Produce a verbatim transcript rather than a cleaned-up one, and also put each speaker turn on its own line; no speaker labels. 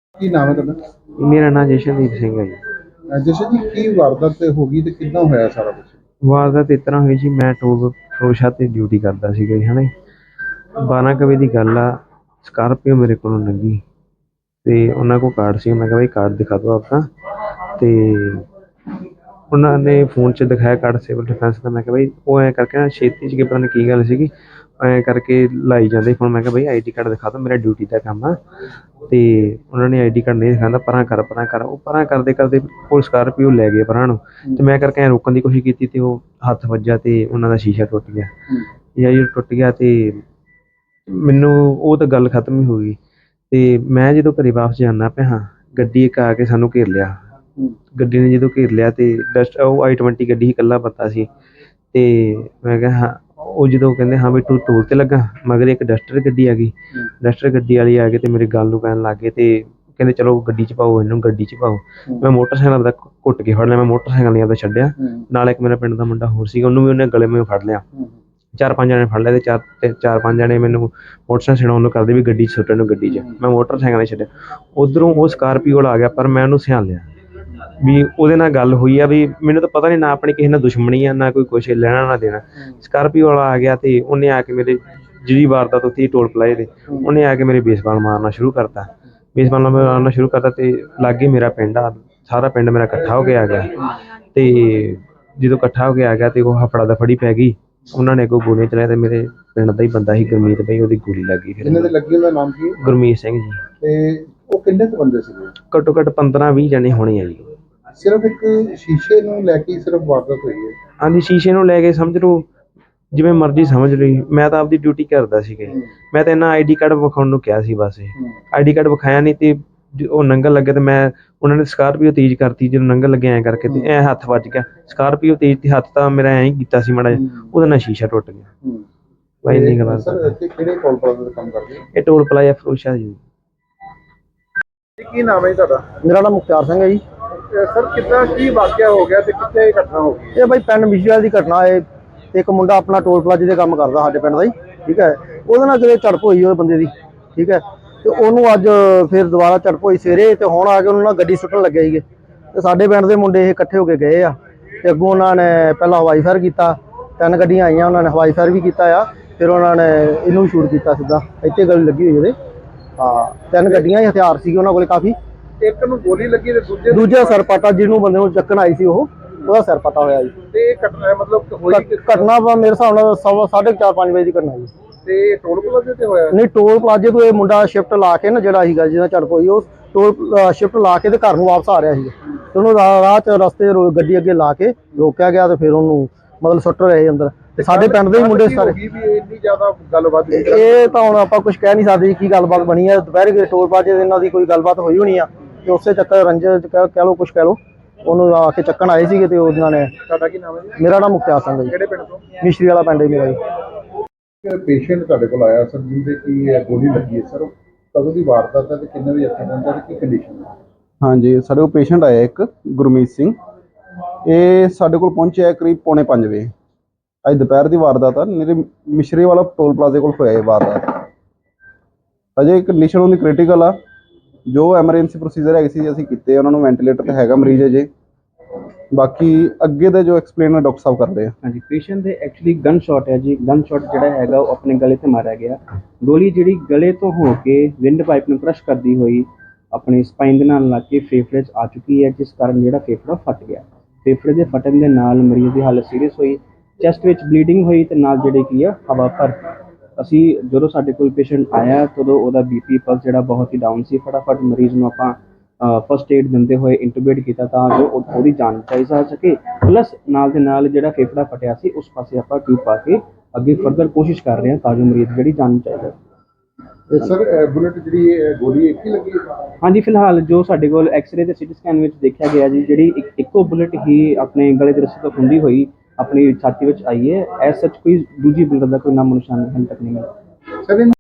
ਕੀ ਨਾਮ ਹੈ ਤੁਹਾਡਾ?
ਮੇਰਾ ਨਾਮ ਜਸ਼ਨਦੀਪ ਸਿੰਘ ਹੈ ਜੀ।
ਅਹ ਜਸ਼ਨ ਜੀ, ਕੀ ਵਾਰਦਾਤ ਤੇ ਹੋ ਗਈ ਤੇ ਕਿੱਦਾਂ ਹੋਇਆ ਸਾਰਾ ਕੁਝ?
ਵਾਰਦਾਤ ਇਸ ਤਰ੍ਹਾਂ ਹੋਈ ਜੀ, ਮੈਂ ਟੋਲ ਫਰੋਸ਼ਾ ਤੇ ਡਿਊਟੀ ਕਰਦਾ ਸੀਗਾ ਜੀ, ਹੈ ਨਾ। ਬਾਰਾਂ ਕੁ ਵਜੇ ਦੀ ਗੱਲ ਆ, ਸਕਾਰਪੀਓ ਮੇਰੇ ਕੋਲੋਂ ਲੰਘੀ ਅਤੇ ਉਹਨਾਂ ਕੋਲ ਕਾਰਡ ਸੀ। ਮੈਂ ਕਿਹਾ ਬਈ ਕਾਰਡ ਦਿਖਾ ਦਿਓ ਆਪਣਾ, ਅਤੇ ਉਹਨਾਂ ਨੇ ਫੋਨ 'ਚ ਦਿਖਾਇਆ ਕਾਰਡ ਸਿਵਲ ਡਿਫੈਂਸ ਦਾ। ਮੈਂ ਕਿਹਾ ਬਈ ਉਹ ਐਂ ਕਰਕੇ ਨਾ ਛੇਤੀ 'ਚ ਪਤਾ ਨਹੀਂ ਕੀ ਗੱਲ ਸੀਗੀ, ਐਂ ਕਰਕੇ ਲਾਈ ਜਾਂਦੇ ਫੋਨ। ਮੈਂ ਕਿਹਾ ਬਈ ਆਈ ਡੀ ਕਾਰਡ ਦਿਖਾ ਦਿਓ, ਮੇਰਾ ਡਿਊਟੀ ਦਾ ਕੰਮ ਆ। ਅਤੇ ਉਹਨਾਂ ਨੇ ਆਈ ਡੀ ਕਾਰਡ ਨਹੀਂ ਦਿਖਾਉਂਦਾ, ਪਰਾਂ ਕਰ ਪਰਾਂ ਕਰ। ਉਹ ਪਰਾਂ ਕਰਦੇ ਕਰਦੇ ਉਹ ਸਕਾਰਪੀਓ ਲੈ ਗਏ ਪਰਾਂ ਨੂੰ, ਅਤੇ ਮੈਂ ਕਰਕੇ ਐਂ ਰੋਕਣ ਦੀ ਕੋਸ਼ਿਸ਼ ਕੀਤੀ ਅਤੇ ਉਹ ਹੱਥ ਵੱਜਾ ਅਤੇ ਉਹਨਾਂ ਦਾ ਸ਼ੀਸ਼ਾ ਟੁੱਟ ਗਿਆ। ਜਾਂ ਜਦੋਂ ਟੁੱਟ ਗਿਆ ਅਤੇ ਮੈਨੂੰ ਉਹ ਤਾਂ ਗੱਲ ਖਤਮ ਹੀ ਹੋ ਗਈ। ਅਤੇ ਮੈਂ ਜਦੋਂ ਘਰ ਵਾਪਸ ਜਾਂਦਾ ਪਿਆ ਹਾਂ, ਗੱਡੀ ਇੱਕ ਆ ਕੇ ਸਾਨੂੰ ਘੇਰ ਲਿਆ। ਗੱਡੀ ਨੇ ਜਦੋਂ ਘੇਰ ਲਿਆ ਅਤੇ ਡਸਟ ਉਹ ਆਈ ਟਵੰਟੀ ਗੱਡੀ ਸੀ, ਇਕੱਲਾ ਬੰਦਾ ਸੀ। ਅਤੇ ਮੈਂ ਕਿਹਾ ਹਾਂ, ਉਹ ਜਦੋਂ ਕਹਿੰਦੇ ਹਾਂ ਵੀ ਤੂੰ ਟੋਲ 'ਤੇ ਲੱਗਾ, ਮਗਰ ਇੱਕ ਡਸਟਰ ਗੱਡੀ ਆ ਗਈ। ਡਸਟਰ ਗੱਡੀ ਵਾਲੀ ਆ ਕੇ ਅਤੇ ਮੇਰੇ ਗੱਲ ਨੂੰ ਪੈਣ ਲੱਗ ਗਏ ਅਤੇ ਕਹਿੰਦੇ ਚਲੋ ਗੱਡੀ 'ਚ ਪਾਓ, ਇਹਨੂੰ ਗੱਡੀ 'ਚ ਪਾਓ। ਮੈਂ ਮੋਟਰਸਾਈਕਲ ਆਪਦਾ ਘੁੱਟ ਕੇ ਫੜ ਲਿਆ, ਮੈਂ ਮੋਟਰਸਾਈਕਲ ਨਹੀਂ ਆਪਦਾ ਛੱਡਿਆ। ਨਾਲ ਇੱਕ ਮੇਰਾ ਪਿੰਡ ਦਾ ਮੁੰਡਾ ਹੋਰ ਸੀਗਾ, ਉਹਨੂੰ ਵੀ ਉਹਨੇ ਗਲੇ ਮੇਂ ਫੜ ਲਿਆ। ਚਾਰ ਪੰਜ ਜਣੇ ਫੜ ਲਿਆ ਅਤੇ ਚਾਰ ਅਤੇ ਚਾਰ ਪੰਜ ਜਣੇ ਮੈਨੂੰ ਮੋਟਰਸਾਈਕਲ ਛਡਾਉਣ ਨੂੰ ਕਰਦੇ ਵੀ ਗੱਡੀ 'ਚ ਸੁੱਟਣ ਨੂੰ, ਗੱਡੀ 'ਚ। ਮੈਂ ਮੋਟਰਸਾਈਕਲ ਨਹੀਂ ਛੱਡਿਆ। ਉੱਧਰੋਂ ਉਹ ਸਕਾਰਪੀਓ ਵਾਲਾ ਆ ਗਿਆ, ਪਰ ਮੈਂ ਉਹਨੂੰ ਸਿਆਣ ਲਿਆ ਵੀ ਉਹਦੇ ਨਾਲ ਗੱਲ ਹੋਈ ਆ। ਵੀ ਮੈਨੂੰ ਤਾਂ ਪਤਾ ਨਹੀਂ, ਨਾ ਆਪਣੀ ਕਿਸੇ ਨਾਲ ਦੁਸ਼ਮਣੀ ਆ, ਨਾ ਕੋਈ ਕੁਛ ਲੈਣਾ ਨਾ ਦੇਣਾ। ਸਕਾਰਪੀਓ ਵਾਲਾ ਆ ਗਿਆ ਅਤੇ ਉਹਨੇ ਆ ਕੇ ਮੇਰੇ ਜਿਹੜੀ ਵਾਰਦਾਤ ਉੱਥੇ ਟੋਲ ਪਲਾਜ਼ੇ 'ਤੇ, ਉਹਨੇ ਆ ਕੇ ਮੇਰੇ ਬੇਸਬਾਲ ਮਾਰਨਾ ਸ਼ੁਰੂ ਕਰਤਾ। ਬੇਸਬਾਲ ਮਾਰਨਾ ਸ਼ੁਰੂ ਕਰਤਾ ਅਤੇ ਲਾਗੇ ਮੇਰਾ ਪਿੰਡ ਆ, ਸਾਰਾ ਪਿੰਡ ਮੇਰਾ ਇਕੱਠਾ ਹੋ ਕੇ ਆ ਗਿਆ। ਅਤੇ ਜਦੋਂ ਇਕੱਠਾ ਹੋ ਕੇ ਆ ਗਿਆ ਅਤੇ ਉਹ ਹਫੜਾ ਦਫੜੀ ਪੈ ਗਈ। ਉਹਨਾਂ ਨੇ ਅੱਗੋਂ ਗੋਲੀਆਂ ਚਲਾਈਆਂ ਅਤੇ ਮੇਰੇ ਪਿੰਡ ਦਾ ਹੀ ਬੰਦਾ ਸੀ ਗੁਰਮੀਤ ਬਈ, ਉਹਦੀ ਗੋਲੀ ਲੱਗ ਗਈ। ਫਿਰ
ਜਿਹਨਾਂ ਦੇ ਲੱਗੀ ਉਹਦਾ ਨਾਮ ਕੀ ਹੈ?
ਗੁਰਮੀਤ ਸਿੰਘ ਜੀ।
ਤੇ ਉਹ ਕਿੰਨੇ ਕੁ ਬੰਦੇ ਸੀਗੇ?
ਘੱਟੋ ਘੱਟ ਪੰਦਰਾਂ ਵੀਹ ਜਣੇ ਹੋਣੇ ਆ ਜੀ।
ਸਿਰਫ ਇੱਕ ਸ਼ੀਸ਼ੇ ਨੂੰ ਲੈ ਕੇ ਸਿਰਫ ਵਾਰਦਾਤ ਹੋਈ ਹੈ?
ਹਾਂਜੀ, ਸ਼ੀਸ਼ੇ ਨੂੰ ਲੈ ਕੇ ਸਮਝ ਲਓ, ਜਿਵੇਂ ਮਰਜ਼ੀ ਸਮਝ ਲਈ। ਮੈਂ ਤਾਂ ਆਪਦੀ ਡਿਊਟੀ ਕਰਦਾ ਸੀਗਾ। ਮੈਂ ਤਾਂ ਇਹਨਾਂ ਆਈ ਡੀ ਕਾਰਡ ਵਿਖਾਉਣ ਨੂੰ ਕਿਹਾ ਸੀ ਬਸ। ਇਹ ਆਈ ਡੀ ਕਾਰਡ ਵਿਖਾਇਆ ਨਹੀਂ ਅਤੇ ਉਹ ਲੰਘਣ ਲੱਗੇ ਅਤੇ ਮੈਂ ਉਹਨਾਂ ਨੇ ਸਕਾਰਪੀਓ ਤੇਜ਼ ਕਰਤੀ। ਜਦੋਂ ਲੰਘਣ ਲੱਗੇ ਐਂ ਕਰਕੇ ਅਤੇ ਐਂ ਹੱਥ ਵੱਜ ਗਿਆ ਸਕਾਰਪੀਓ ਤੇਜ਼, ਅਤੇ ਹੱਥ ਤਾਂ ਮੇਰਾ ਐਂ ਹੀ ਕੀਤਾ ਸੀ ਮਾੜਾ ਜਿਹਾ, ਉਹਦੇ ਨਾਲ ਸ਼ੀਸ਼ਾ ਟੁੱਟ ਗਿਆ। ਬਸ ਇੰਨੀ ਗੱਲ।
ਸਰ ਇੱਥੇ ਕਿਹੜੇ ਟੋਲ ਪਲਾਜ਼ੇ ਤੇ ਕੰਮ ਕਰਦੇ?
ਇਹ ਟੋਲ ਪਲਾਜ਼ਾ ਫਿਰੋਜ਼ਸ਼ਾਹ ਜੀ।
ਕੀ ਨਾਮ ਹੈ ਤੁਹਾਡਾ?
ਮੇਰਾ ਨਾਮ ਮੁਖਤਿਆਰ ਸਿੰਘ ਹੈ ਜੀ।
ਸਰ ਕਿੱਦਾਂ ਕੀ ਵਾਕਿਆ ਹੋ ਗਿਆ ਤੇ ਕਿੱਥੇ ਇਹ ਘਟਨਾ ਹੋ ਗਈ?
ਇਹ ਬਾਈ ਪਿੰਡ ਮਿਸ਼ਰੀਵਾਲ ਦੀ ਘਟਨਾ ਹੈ। ਇੱਕ ਮੁੰਡਾ ਆਪਣਾ ਟੋਲ ਪਲਾਜ਼ੇ ਦੇ ਕੰਮ ਕਰਦਾ ਸਾਡੇ ਪਿੰਡ ਦਾ ਹੀ, ਠੀਕ ਹੈ। ਉਹਦੇ ਨਾਲ ਕਿਤੇ ਝੜਪ ਹੋਈ ਉਹ ਬੰਦੇ ਦੀ, ਠੀਕ ਹੈ। ਅਤੇ ਉਹਨੂੰ ਅੱਜ ਫਿਰ ਦੁਬਾਰਾ ਝੜਪ ਹੋਈ ਸਵੇਰੇ, ਅਤੇ ਹੁਣ ਆ ਕੇ ਉਹਨੂੰ ਨਾਲ ਗੱਡੀ ਸੁੱਟਣ ਲੱਗੇ ਸੀਗੇ। ਅਤੇ ਸਾਡੇ ਪਿੰਡ ਦੇ ਮੁੰਡੇ ਇਹ ਇਕੱਠੇ ਹੋ ਕੇ ਗਏ ਆ, ਅਤੇ ਅੱਗੋਂ ਉਹਨਾਂ ਨੇ ਪਹਿਲਾਂ ਹਵਾਈ ਫਾਇਰ ਕੀਤਾ। ਤਿੰਨ ਗੱਡੀਆਂ ਆਈਆਂ, ਉਹਨਾਂ ਨੇ ਹਵਾਈ ਫਾਇਰ ਵੀ ਕੀਤਾ ਆ। ਫਿਰ ਉਹਨਾਂ ਨੇ ਇਹਨੂੰ ਵੀ ਸ਼ੂਟ ਕੀਤਾ ਸਿੱਧਾ, ਇੱਥੇ ਗੋਲੀ ਲੱਗੀ ਹੋਈ ਉਹਦੇ। ਹਾਂ, ਤਿੰਨ ਗੱਡੀਆਂ ਹੀ, ਹਥਿਆਰ ਸੀਗੇ ਉਹਨਾਂ ਕੋਲ ਕਾਫੀ।
ਇੱਕ ਨੂੰ ਗੋਲੀ ਲੱਗੀ ਤੇ ਦੂਜੇ
ਦੂਜਾ ਸਿਰ ਪਾਟਾ, ਜਿਹਨੂੰ ਬੰਦੇ ਨੂੰ ਚੱਕਣ ਆਈ ਸੀ ਉਹ, ਉਹਦਾ ਸਿਰ ਪਾਟਾ ਹੋਇਆ ਜੀ।
ਤੇ ਇਹ ਘਟਨਾ ਮਤਲਬ ਹੋਈ
ਘਟਨਾ ਮੇਰੇ ਹਿਸਾਬ ਨਾਲ ਸਵਾ ਸਾਢੇ ਚਾਰ ਪੰਜ ਵਜੇ ਦੀ ਘਟਨਾ ਜੀ।
ਤੇ ਟੋਲ ਪਲਾਜ਼ੇ ਤੇ ਹੋਇਆ?
ਨਹੀਂ, ਟੋਲ ਪਲਾਜ਼ੇ ਤੋਂ ਇਹ ਮੁੰਡਾ ਸ਼ਿਫਟ ਲਾ ਕੇ ਨਾ, ਜਿਹੜਾ ਸੀਗਾ ਜਿਹਦਾ ਝੜਪ ਹੋਈ, ਉਹ ਟੋਲ ਸ਼ਿਫਟ ਲਾ ਕੇ ਤੇ ਘਰ ਨੂੰ ਵਾਪਸ ਆ ਰਿਹਾ ਸੀਗਾ। ਤੇ ਉਹਨੂੰ ਰਾਹ 'ਚ ਰਸਤੇ ਗੱਡੀ ਅੱਗੇ ਲਾ ਕੇ ਰੋਕਿਆ ਗਿਆ, ਤੇ ਫਿਰ ਉਹਨੂੰ ਮਤਲਬ ਸੁੱਟ ਰਹੇ ਅੰਦਰ। ਤੇ ਸਾਡੇ ਪਿੰਡ ਦੇ ਹੀ ਮੁੰਡੇ ਸਾਰੇ।
ਇੰਨੀ ਜ਼ਿਆਦਾ ਗੱਲਬਾਤ
ਇਹ ਤਾਂ ਹੁਣ ਆਪਾਂ ਕੁਝ ਕਹਿ ਨਹੀਂ ਸਕਦੇ ਕੀ ਗੱਲਬਾਤ ਬਣੀ ਹੈ। ਦੁਪਹਿਰੇ ਟੋਲ ਪਲਾਜ਼ੇ ਦੇ ਇਹਨਾਂ ਦੀ ਕੋਈ ਗੱਲਬਾਤ ਹੋਈ ਹੋਣੀ ਆ, ਤੇ ਉਸੇ ਚੱਕਰ ਰੰਜਨ ਕਹਿ ਲਓ, ਕੁਛ ਕਹਿ ਲਓ, ਉਹਨੂੰ ਆ ਕੇ ਚੱਕਣ ਆਏ ਸੀਗੇ। ਤੇ ਉਹਨਾਂ ਨੇ।
ਤੁਹਾਡਾ ਕੀ ਨਾਮ ਹੈ ਜੀ?
ਮੇਰਾ ਨਾਮ ਮੁਖਤਿਆਰ ਸਿੰਘ ਹੈ ਜੀ।
ਕਿਹੜੇ ਪਿੰਡ ਤੋਂ?
ਮਿਸ਼ਰੀ ਵਾਲਾ ਪਿੰਡ ਹੈ ਮੇਰਾ ਜੀ।
ਪੇਸ਼ੈਂਟ ਤੁਹਾਡੇ ਕੋਲ ਆਇਆ ਸਰ, ਜਿਹਦੇ ਕੀ ਗੋਲੀ ਲੱਗੀ ਹੈ ਸਰ, ਕਦੋਂ ਦੀ ਵਾਰਦਾਤ ਹੈ ਤੇ ਕਿੰਨੇ ਵਜੇ ਇੱਥੇ ਪਹੁੰਚਾ ਤੇ ਕੀ ਕੰਡੀਸ਼ਨ ਹੈ?
ਹਾਂਜੀ, ਸਾਡੇ ਕੋਲ ਪੇਸ਼ੈਂਟ ਆਇਆ ਇੱਕ ਗੁਰਮੀਤ ਸਿੰਘ। ਇਹ ਸਾਡੇ ਕੋਲ ਪਹੁੰਚਿਆ ਕਰੀਬ ਪੌਣੇ ਪੰਜ ਵਜੇ। ਅੱਜ ਦੁਪਹਿਰ ਦੀ ਵਾਰਦਾਤ ਆ। ਮੇਰੇ ਮਿਸ਼ਰੀ ਵਾਲਾ ਟੋਲ ਪਲਾਜ਼ੇ ਕੋਲ ਹੋਇਆ ਇਹ ਵਾਰਦਾਤ। ਅਜੇ ਕੰਡੀਸ਼ਨ ਉਹਦੀ ਕ੍ਰਿਟੀਕਲ ਆ। ਜੋ ਐਮਰਜੈਂਸੀ ਪ੍ਰੋਸੀਜਰ ਹੈਗੇ ਸੀ ਅਸੀਂ ਕੀਤੇ, ਉਹਨਾਂ ਨੂੰ ਵੈਂਟੀਲੇਟਰ ਤੇ ਹੈਗਾ ਮਰੀਜ਼ ਅਜੇ। ਬਾਕੀ ਅੱਗੇ ਦਾ ਜੋ ਐਕਸਪਲੇਨ ਹੈ ਡਾਕਟਰ ਸਾਹਿਬ ਕਰਦੇ ਆ।
ਹਾਂਜੀ, ਪੇਸ਼ੈਂਟ ਦੇ ਐਕਚੁਅਲੀ ਗਨ ਸ਼ਾਟ ਹੈ ਜੀ। ਗਨ ਸ਼ਾਟ ਜਿਹੜਾ ਹੈਗਾ ਉਹ ਆਪਣੇ ਗਲੇ 'ਤੇ ਮਾਰਿਆ ਗਿਆ। ਗੋਲੀ ਜਿਹੜੀ ਗਲੇ ਤੋਂ ਹੋ ਕੇ ਵਿੰਡ ਪਾਈਪ ਨੂੰ ਕ੍ਰਸ਼ ਕਰਦੀ ਹੋਈ ਆਪਣੀ ਸਪਾਈਨ ਦੇ ਨਾਲ ਲੱਗ ਕੇ ਫੇਫੜੇ 'ਚ ਆ ਚੁੱਕੀ ਹੈ, ਜਿਸ ਕਾਰਨ ਜਿਹੜਾ ਫੇਫੜਾ ਫਟ ਗਿਆ। ਫੇਫੜੇ ਦੇ ਫਟਣ ਦੇ ਨਾਲ ਮਰੀਜ਼ ਦੀ ਹਾਲਤ ਸੀਰੀਅਸ ਹੋਈ, ਚੈਸਟ ਵਿੱਚ ਬਲੀਡਿੰਗ ਹੋਈ ਅਤੇ ਨਾਲ ਜਿਹੜੇ ਕੀ ਆ ਹਵਾ ਭਰ। ਅਸੀਂ ਜਦੋਂ ਸਾਡੇ ਕੋਲ ਪੇਸ਼ੈਂਟ ਆਇਆ ਤਦੋਂ ਉਹਦਾ ਬੀ ਪੀ ਪਲਸ ਜਿਹੜਾ ਬਹੁਤ ਹੀ ਡਾਊਨ ਸੀ। ਫਟਾਫਟ ਮਰੀਜ਼ ਨੂੰ ਆਪਾਂ ਫਸਟ ਏਡ ਦਿੰਦੇ ਹੋਏ ਇੰਟੂਬੇਟ ਕੀਤਾ, ਤਾਂ ਜੋ ਉਹਦੀ ਜਾਨ ਬਚਾਈ ਜਾ ਸਕੇ। ਪਲੱਸ ਨਾਲ ਦੇ ਨਾਲ ਜਿਹੜਾ ਫੇਫੜਾ ਫਟਿਆ ਸੀ ਉਸ ਪਾਸੇ ਆਪਾਂ ਟਿਊਬ ਪਾ ਕੇ ਅੱਗੇ ਫਰਦਰ ਕੋਸ਼ਿਸ਼ ਕਰ ਰਹੇ ਹਾਂ ਤਾਂ ਜੋ ਮਰੀਜ਼ ਜਿਹੜੀ ਜਾਨ ਬਚਾਈ ਜਾਵੇ।
ਸਰ ਬੁਲਟ ਜਿਹੜੀ ਗੋਲੀ ਇੱਕ ਹੀ ਲੱਗੀ?
ਹਾਂਜੀ, ਫਿਲਹਾਲ ਜੋ ਸਾਡੇ ਕੋਲ ਐਕਸਰੇ ਤੇ ਸਿਟੀ ਸਕੈਨ ਵਿੱਚ ਦੇਖਿਆ ਗਿਆ ਜੀ, ਜਿਹੜੀ ਇੱਕ ਇੱਕੋ ਬੁਲਟ ਹੀ ਆਪਣੇ ਗਲੇ ਦੇ ਰੱਸੇ ਤੋਂ ਖੁੰਦੀ ਹੋਈ ਆਪਣੀ ਛਾਤੀ ਵਿੱਚ ਆਈ ਹੈ। ਐਸ ਸੱਚ ਕੋਈ ਦੂਜੀ ਬੁਲਟ ਦਾ ਕੋਈ ਨਾਮੋ ਨਿਸ਼ਾਨ ਹਾਲੇ ਤੱਕ ਨਹੀਂ ਮਿਲਿਆ।